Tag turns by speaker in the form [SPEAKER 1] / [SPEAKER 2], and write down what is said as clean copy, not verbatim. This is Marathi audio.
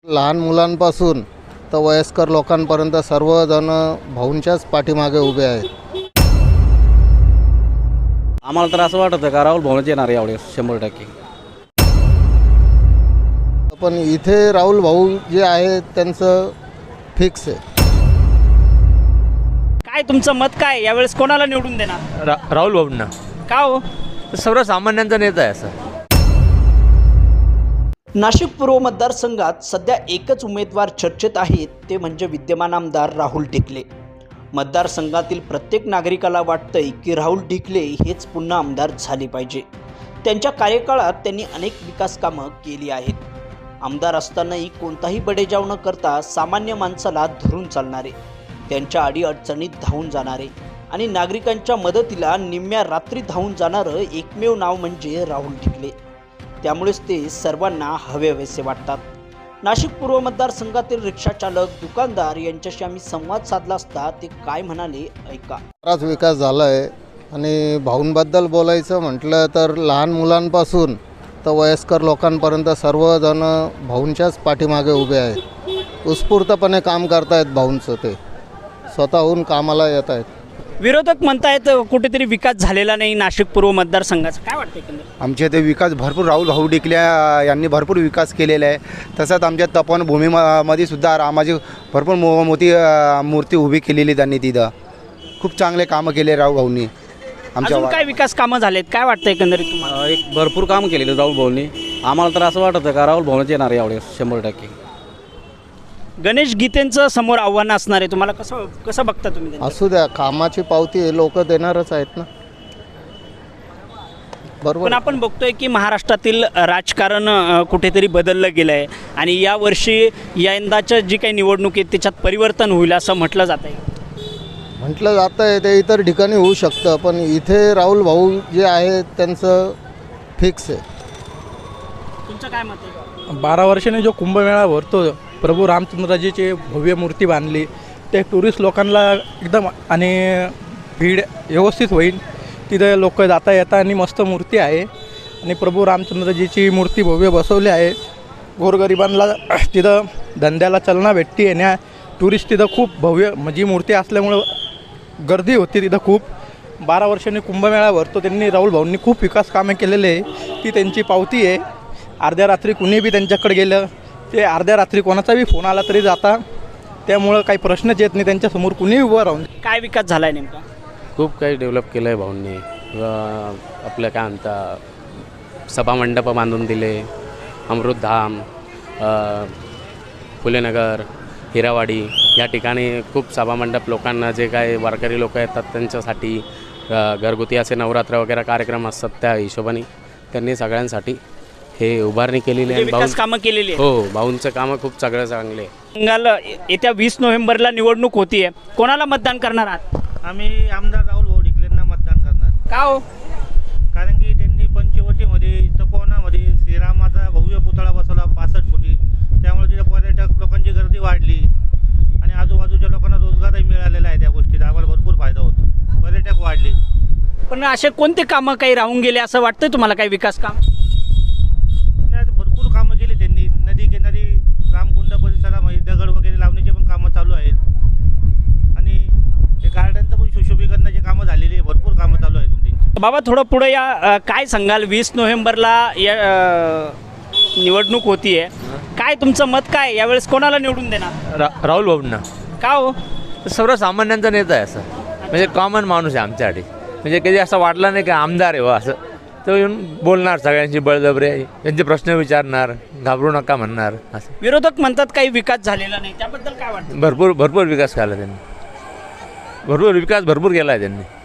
[SPEAKER 1] लहान मुलांपासून तर वयस्कर लोकांपर्यंत सर्वजण भाऊंच्याच पाठीमागे उभे आहेत.
[SPEAKER 2] आम्हाला तर असं वाटतं का राहुल भाऊच येणार यावेळेस 100%.
[SPEAKER 1] पण इथे राहुल भाऊ जे आहे त्यांचं फिक्स आहे.
[SPEAKER 3] काय तुमचं मत काय यावेळेस कोणाला निवडून देणार?
[SPEAKER 4] राहुल भाऊंना.
[SPEAKER 3] का हो?
[SPEAKER 4] सर्वसामान्यांचा नेता आहे असं.
[SPEAKER 5] नाशिक पूर्व मतदारसंघात सध्या एकच उमेदवार चर्चेत आहेत, ते म्हणजे विद्यमान आमदार राहुल ढिकले. मतदारसंघातील प्रत्येक नागरिकाला वाटतंय की राहुल ढिकले हेच पुन्हा आमदार झाले पाहिजे. त्यांच्या कार्यकाळात त्यांनी अनेक विकास कामं केली आहेत. आमदार असतानाही कोणताही बडेजाव न करता सामान्य माणसाला धरून चालणारे, त्यांच्या अडीअडचणीत धावून जाणारे आणि नागरिकांच्या मदतीला निम्म्या रात्री धावून जाणारं एकमेव नाव म्हणजे राहुल ढिकले. त्यामुळेच ते सर्वांना हवेहवेसे वाटतात. नाशिक पूर्व मतदारसंघातील रिक्षाचालक, दुकानदार यांच्याशी आम्ही संवाद साधला असता ते काय म्हणाले ऐका.
[SPEAKER 1] बराच विकास झाला आहे आणि भाऊंबद्दल बोलायचं म्हटलं तर लहान मुलांपासून तर वयस्कर लोकांपर्यंत सर्वजण भाऊंच्याच पाठीमागे उभे आहेत. उत्स्फूर्तपणे काम करतायत भाऊंचं, ते स्वतःहून कामाला येत आहेत.
[SPEAKER 3] विरोधक म्हणतायत कुठेतरी विकास झालेला नाही नाशिक पूर्व मतदारसंघाचा. काय वाटतं एकंदरीत?
[SPEAKER 6] आमच्या इथे विकास भरपूर राहुल भाऊ ढिकले यांनी भरपूर विकास केलेला आहे. तसंच आमच्या तपोवनभूमीमध्ये सुद्धा रामाची भरपूर मोठी मूर्ती उभी केलेली त्यांनी. तिथं खूप चांगले कामं केले राहुल भाऊंनी. आमच्या
[SPEAKER 3] अजून काय विकास कामं झालेत? काय वाटतं एकंदरीत तुम्हाला?
[SPEAKER 2] एक भरपूर काम केलेलं राहुल भाऊंनी. आम्हाला तर असं वाटतं का राहुल भाऊच येणार यावेळेस 100%.
[SPEAKER 3] गणेश गीतेंचं समोर आव्हान असणार आहे, तुम्हाला कसं बघता तुम्ही त्यांचं?
[SPEAKER 1] असू द्या, कामाची पावती हे लोक देणारच आहेत ना. बरोबर.
[SPEAKER 3] पण आपण बघतोय की महाराष्ट्रातील राजकारण कुठेतरी बदललं गेलं आहे आणि यावर्षी यंदाच्या जी काही निवडणूक आहे त्याच्यात परिवर्तन होईल असं म्हटलं जात आहे.
[SPEAKER 1] म्हटलं जातं आहे ते इतर ठिकाणी होऊ शकतं, पण इथे राहुल भाऊ जे आहे त्यांचं फिक्स आहे.
[SPEAKER 3] तुमचं काय मत आहे?
[SPEAKER 7] 12 वर्षांनी जो कुंभमेळा भरतो, प्रभू रामचंद्रजीची भव्य मूर्ती बांधली, ते टुरिस्ट लोकांना एकदम आणि भीड व्यवस्थित होईल. तिथं लोक जाता येता आणि मस्त मूर्ती आहे आणि प्रभू रामचंद्रजीची मूर्ती भव्य बसवली आहे. गोरगरिबांना तिथं धंद्याला चालना भेटते. येण्या टुरिस्ट तिथं खूप भव्य म्हणजे मूर्ती असल्यामुळं गर्दी होती तिथं खूप. 12 वर्षांनी कुंभमेळा भरतो, त्यांनी राहुल भाऊंनी खूप विकास कामे केलेले आहे. ती त्यांची पावती आहे. अर्ध्या रात्री कुणी बी त्यांच्याकडे गेलं, ते अर्ध्या रात्री कोणाचा बी फोन आला तरी जाता. त्यामुळं काही प्रश्नच येत नाही त्यांच्यासमोर कुणीही उभं राहून.
[SPEAKER 3] काय विकास झाला आहे नेमका?
[SPEAKER 4] खूप काही डेव्हलप केलं आहे भाऊंनी. आपलं काय म्हणता, सभामंडपं बांधून दिले, अमृतधाम, फुलेनगर, हिरावाडी या ठिकाणी खूप सभामंडप लोकांना, जे काय वारकरी लोक येतात त्यांच्यासाठी घरगुती असे नवरात्र वगैरे कार्यक्रम असतात, त्या हिशोबाने त्यांनी सगळ्यांसाठी हे उभारणी केलेली आहे.
[SPEAKER 3] विकास कामं केलेली आहे.
[SPEAKER 4] हो, भाऊंचं कामं खूप सगळं चांगले आहे.
[SPEAKER 3] बंगाल येत्या 20 नोव्हेंबरला निवडणूक होतीये, कोणाला मतदान करणार आहात?
[SPEAKER 8] आम्ही आमदार राहुल भाऊ ढिकलेंना मतदान करणार.
[SPEAKER 3] का हो?
[SPEAKER 8] कारण की त्यांनी पंचवटीमध्ये, तपोवनामध्ये श्रीरामाचा भव्य पुतळा बसवला 65 फुटी. त्यामुळे तिथे पर्यटक लोकांची गर्दी वाढली आणि आजूबाजूच्या लोकांना रोजगारही मिळालेला आहे. त्या गोष्टीचा आम्हाला भरपूर फायदा होतो, पर्यटक वाढले.
[SPEAKER 3] पण असे कोणते कामं काही राहून गेले असं वाटतंय तुम्हाला? काही विकास काम
[SPEAKER 8] भरपूर कामं केली त्यांनी. नदी किनारी रामकुंड परिसरामध्ये दगड वगैरे लावण्याचे पण कामं चालू आहेत आणि ते गार्डनचं पण सुशोभीकरणाची कामं झालेली आहे. भरपूर कामं चालू आहेत त्यांची.
[SPEAKER 3] बाबा थोडं पुढे या, काय सांगाल? 20 नोव्हेंबरला या निवडणूक होतीये, काय तुमचं मत काय? यावेळेस कोणाला निवडून देणार?
[SPEAKER 4] राहुल भाऊंना.
[SPEAKER 3] का हो?
[SPEAKER 4] सर्वसामान्यांचा नेता आहे असं. म्हणजे कॉमन माणूस आहे आमच्यासाठी. म्हणजे कधी असं वाटलं नाही की आमदार आहे व असं. तो येऊन बोलणार, सगळ्यांची बळजबरी, त्यांचे प्रश्न विचारणार, घाबरू नका म्हणणार असं.
[SPEAKER 3] विरोधक म्हणतात काही विकास झालेला नाही, त्याबद्दल काय वाटतं?
[SPEAKER 4] भरपूर विकास केला त्यांनी. भरपूर केला आहे त्यांनी.